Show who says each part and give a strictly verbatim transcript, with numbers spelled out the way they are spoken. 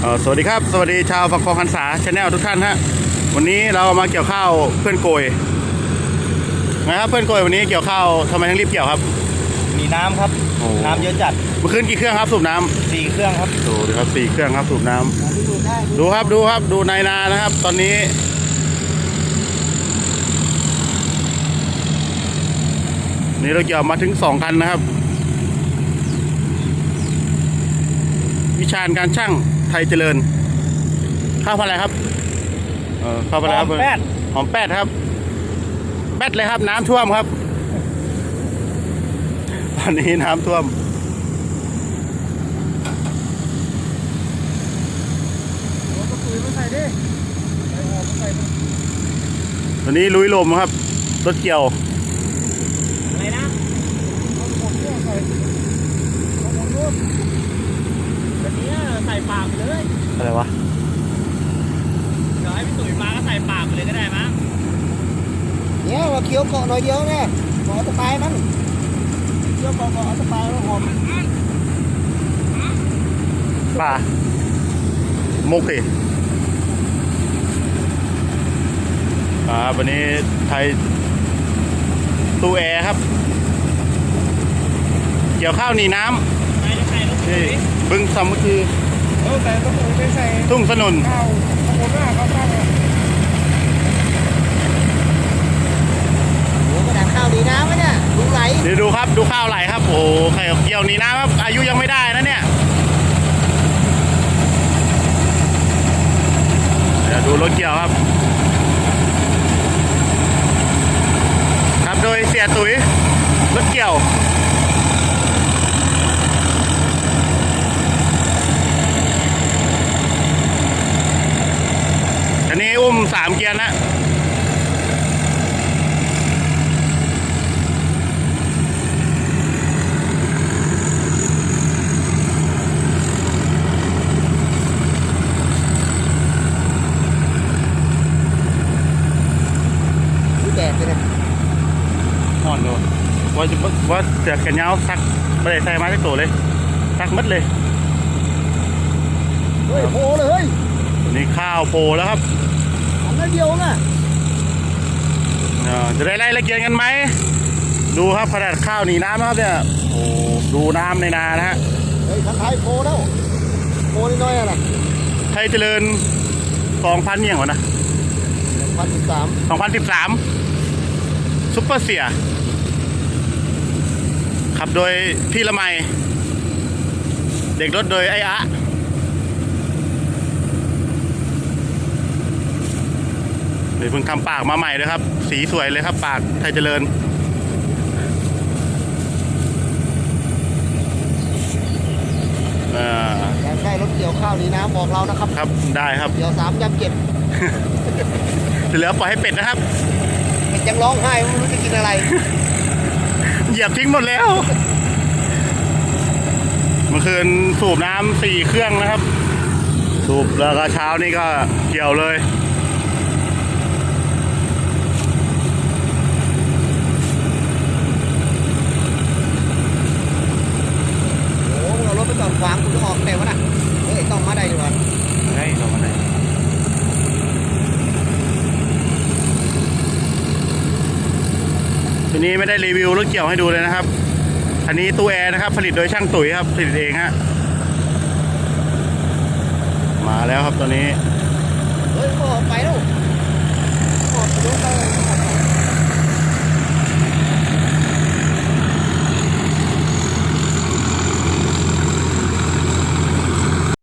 Speaker 1: เอ่อสวัสดีครับสวัสดีชาวฝักคองหันษาชาแนลทุกท่านฮะวันนี้เรามาเกี่ยวข้าวเพื่อนโกยนะครับเพื่อนโกยวันนี้เกี่ยวข้าวทำไมถึงรีบเกี่ยวครับ
Speaker 2: มีน้ำครับน้ำเยอะจัด
Speaker 1: เมื่อคืนกี่เครื่องครับสูบน้ำ
Speaker 2: สี่เครื่องครับ
Speaker 1: ดูดิครับสี่เครื่องครับสูบน้ำดูครับดูครับดูในนานะครับตอนนี้นี่เราเกี่ยวมาถึงสองคันนะครับวิชาการช่างไทยเจริญข้าวพันธุ์อะไรครับเออข้าวพันธุ์อะไรครับ
Speaker 2: หอมแป้ด
Speaker 1: หอมแป้ดครับแป้ดเลยครับน้ำท่วมครับตอนนี้น้ำท่วมตอนนี้ลุยลมครับรถเกี่ยว
Speaker 2: อะไรนะแบบนี้ใส่ปากไปเลย
Speaker 1: อะไรวะ
Speaker 2: เดี๋ยวให้พี่ตุ๋ยมาก็ใส่ปากไปเลยก็ได้มั้ง
Speaker 3: เนี่ยเราเคี้ยวเกาะหน่อยเดียวเนี่ยเกาะสปายมันเคี้ยวเกาะเกาะสปายแล้วหอม
Speaker 1: ป่ามุกสิอ่าวันนี้ไทยตู้แอร์ครับเกี่ยวข้าวหนีน้ำ
Speaker 2: ใส่ใส่ลูกตุ๋ย
Speaker 1: บึงสามัคคี
Speaker 3: เออแต่ต้องไปใส่
Speaker 1: ทุ่งสนุน
Speaker 3: ข้าวข้าวโพดหน้าข้าวข้าวโอ้กระดาษข้าวดีน้ำไหมเนี่ยดูไหล
Speaker 1: เดี๋ยวดูครับดูข้าวไหลครับโอ้ไข่เกี่ยวหนีน้ำครับอายุยังไม่ได้นะเนี่ยเดี๋ยวดูรถเกี่ยวครับครับโดยเสียตุ๋ยรถเกี่ยวอันนี้อุ้มสามเกียร์นะ
Speaker 3: แดดเลย
Speaker 1: ห่อนเลยว่าจะว่าเสือแขนยาวซักไม่ได้ใส่มาสักตัวเลยซักมัดเลย
Speaker 3: เฮ้ยโผล่เลยเฮ้ย
Speaker 1: นี่ข้าวโพแล้วครับ
Speaker 3: ทำได้เดียวนะ
Speaker 1: จะได้ไล่ละเกียนกันไหมดูครับขนาดข้าวหนีน้ำนะครับเนี่ยโอ้ดูน้ำในนานะฮะ
Speaker 3: เฮ้ยทันไทยโผล่แล้วโผล่นิดหน่อยอะไร
Speaker 1: ไทยเจริญสองพันยังวะนะ
Speaker 3: สองพันสิบสาม
Speaker 1: สองพันสิบสามซุปเปอร์เสียขับโดยพี่ละไมเด็กรถโดยไอ้อะเดี๋ยวเพิ่งทำปากมาใหม่เลยครับสีสวยเลยครับปากไทยเจริญ
Speaker 3: อยากได้รถเกี่ยวข้าวดีน้ำบอกเรานะครับ
Speaker 1: ครับได้ครับ
Speaker 3: เกี่ยวสามยำเจ็ด
Speaker 1: เหลือปล่อยให้เป็ดนะครับ
Speaker 3: เป็ดยังร้องไห้ไม่รู้จะกินอะไร
Speaker 1: เหยียบทิ้งหมดแล้วเมื่อคืนสูบน้ำสี่เครื่องนะครับสูบแล้วก็เช้านี่ก็เกี่ยวเลย
Speaker 3: โอ้เรารถไปจอดขวางคุณจะออกแต่วะน่ะเฮ้ยต้องมาได้ดีกว่า
Speaker 1: เฮ้ยต้องมาได้ทีนี้ไม่ได้รีวิวรถเกี่ยวให้ดูเลยนะครับอันนี้ตู้แอร์นะครับผลิตโดยช่างตุ๋ยครับผลิตเองฮะมาแล้วครับตอนนี้